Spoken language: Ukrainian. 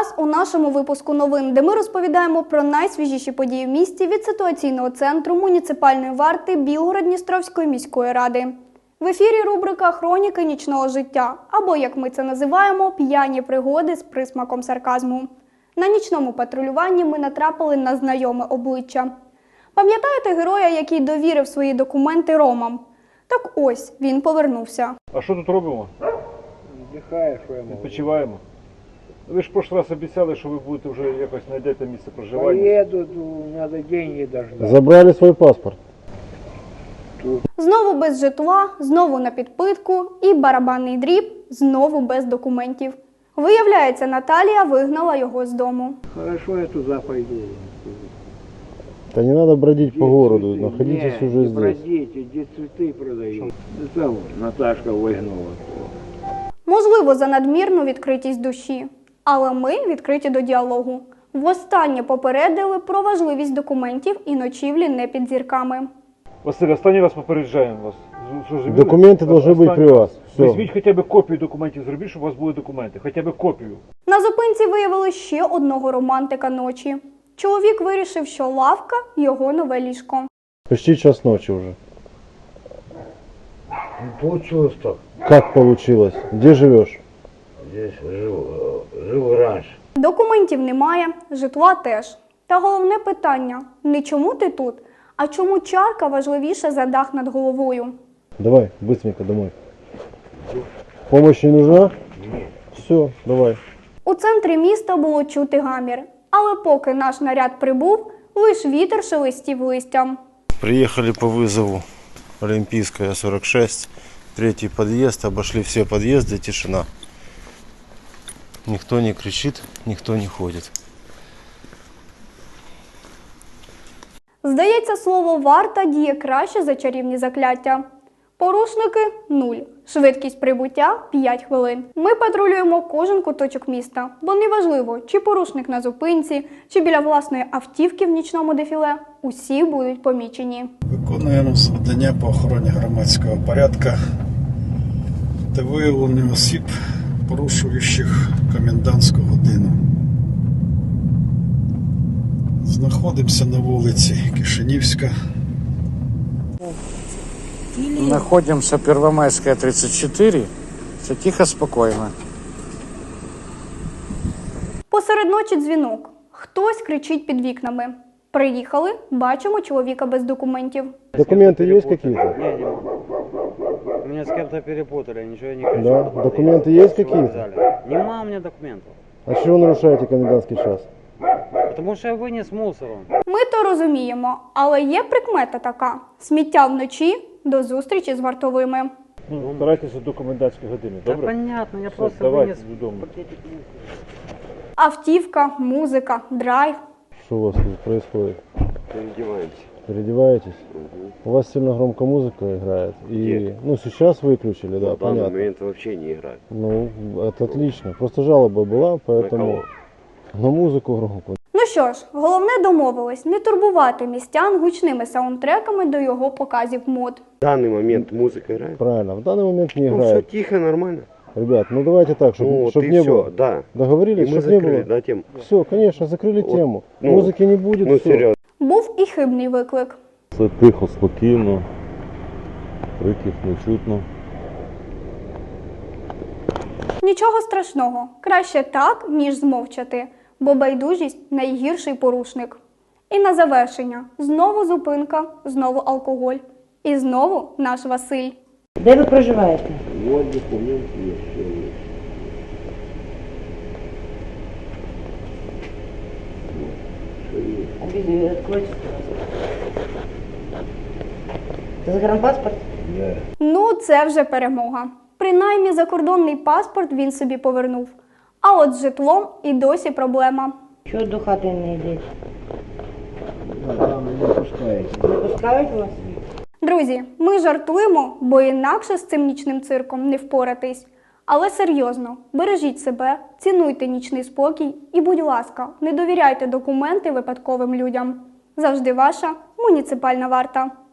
вас у нашому випуску новин, де ми розповідаємо про найсвіжіші події в місті від ситуаційного центру муніципальної варти Білгород-Дністровської міської ради. В ефірі рубрика «Хроніки нічного життя» або, як ми це називаємо, «П'яні пригоди з присмаком сарказму». На нічному патрулюванні ми натрапили на знайоме обличчя. Пам'ятаєте героя, який довірив свої документи ромам? Так ось, він повернувся. А що тут робимо? Віддихаю, що я можу. Відпочиваємо. Ви ж в прошлый раз обіцяли, що ви будете вже якось знайдете місце проживання. Поеду, надо деньги дождать. Забрали свой паспорт. Знову без житла, знову на підпитку і барабанний дріб, знову без документів. Виявляється, Наталія вигнала його з дому. Хорошо, я туда пойду. Да не надо бродить по городу, Цветы? находитесь Не, уже не здесь. бродите, где цветы продают. Да там Наташка выгнала. Можливо, за надмірну відкритість душі. Але ми відкриті до діалогу. Востаннє попередили про важливість документів і ночівлі не під зірками. Василь, останній раз попереджаємо вас. Зрозуміли? Документы должны быть при вас. Все. Візьміть хоча б копію документів, зробіть, щоб у вас були документи. Хоча б копію. На зупинці виявили ще одного романтика ночі. Чоловік вирішив, що лавка – його нове ліжко. Почти час ночи уже. Получилось так. Как получилось? Где живешь? Здесь жил раньше. Документів немає, житла теж. Та головне питання – не чому ти тут, а чому чарка важливіша за дах над головою. Давай, быстренько домой. Помощь не нужна? Нет. Все, давай. У центрі міста було чути гамір. Але поки наш наряд прибув, лиш вітер шелестів листям. Приехали по вызову Олимпийская, 46, третий подъезд, обошли все подъезды, тишина. Никто не кричит, никто не ходит. Здається, слово «варта» діє краще за чарівні закляття. Порушники – 0. Швидкість прибуття – 5 хвилин. Ми патрулюємо кожен куточок міста, бо неважливо, чи порушник на зупинці, чи біля власної автівки в нічному дефіле – усі будуть помічені. Виконуємо завдання по охороні громадського порядку та виявленню осіб, порушуючих комендантську годину. Знаходимося на вулиці Кишинівська. Находимся Первомайская, 34. Все тихо, спокойно. Посеред ночі дзвінок. Хтось кричить під вікнами. Приїхали, бачимо чоловіка без документів. Документы есть какие-то? Не, не могу. Меня с кем-то перепутали, ничего я не кричу. Да, документы есть какие-то? Нема у меня документов. А чего нарушаете комендантский час? Потому что я вынес мусором. Ми то розуміємо, але є прикмета така. Сміття вночі – до зустрічі з вартовими. Ну, старайтеся до комендантської години, Да добре? понятно, я Все, просто давайте вынес додому. пакетик мусора. Автівка, музика, драйв. Что у вас тут происходит? Переодеваемся. Переодеваетесь? У вас сильно громко музыка играет. И, ну, сейчас выключили, да, На данный понятно. момент вообще не играет. Ну, это отлично. Просто жалоба была, поэтому кого? на музыку громко. Ну що ж, головне домовились не турбувати містян гучними саундтреками до його показів мод. В данный момент музыка играет. Правильно, в данный момент не Ну все играет. тихо, нормально. Ребят, ну давайте так, чтобы Ну вот и не все, было. да. Договорились, И мы чтобы не закрыли, было. да, тему. Все, конечно, закрыли Вот, тему. ну, Музыки не будет, Ну все. серьезно. Був і хибний виклик. Все тихо, спокійно, криків не чутно. Нічого страшного. Краще так, ніж змовчати. Бо байдужість – найгірший порушник. І на завершення. Знову зупинка, знову алкоголь. І знову наш Василь. Де ви проживаєте? Вот документ есть. Всё есть. Вот, что есть. Откройте. Загранпаспорт? Да. Ну, це вже перемога. Принаймні закордонний паспорт він собі повернув. А от з житлом і досі проблема. Чого до хати не йдете? Не пускаете. Не пускають вас? Друзі, ми жартуємо, бо інакше з цим нічним цирком не впоратись. Але серйозно, бережіть себе, цінуйте нічний спокій і, будь ласка, не довіряйте документи випадковим людям. Завжди ваша муніципальна варта.